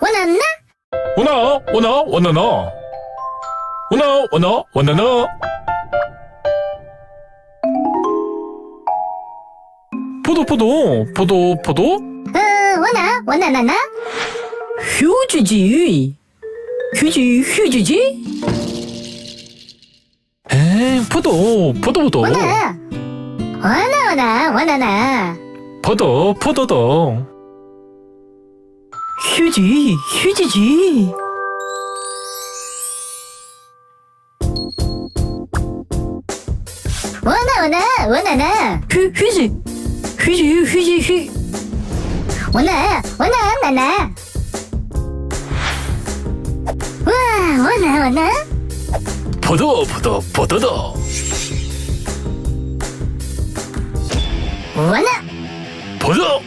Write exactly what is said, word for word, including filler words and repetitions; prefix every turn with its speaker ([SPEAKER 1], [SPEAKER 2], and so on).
[SPEAKER 1] 我能呢？
[SPEAKER 2] 我能，我能，我能能，我能，我能，我能能。扑嘟扑嘟，扑嘟扑嘟。
[SPEAKER 1] 嗯，我能，我能能能。
[SPEAKER 3] 휴唧唧，휴唧휴唧唧。
[SPEAKER 2] 哎，扑嘟扑嘟扑嘟。
[SPEAKER 1] 我能，我能，我能，我能能。
[SPEAKER 2] 扑嘟扑嘟嘟。
[SPEAKER 3] 휴唧휴唧唧。
[SPEAKER 1] 我能，我能，我能能。
[SPEAKER 3] 휴휴唧，휴唧휴唧휴。
[SPEAKER 1] 我能，我能能能。哇，我能，我能。
[SPEAKER 2] 扑嘟扑嘟扑嘟嘟。
[SPEAKER 1] 我能，
[SPEAKER 2] 扑嘟。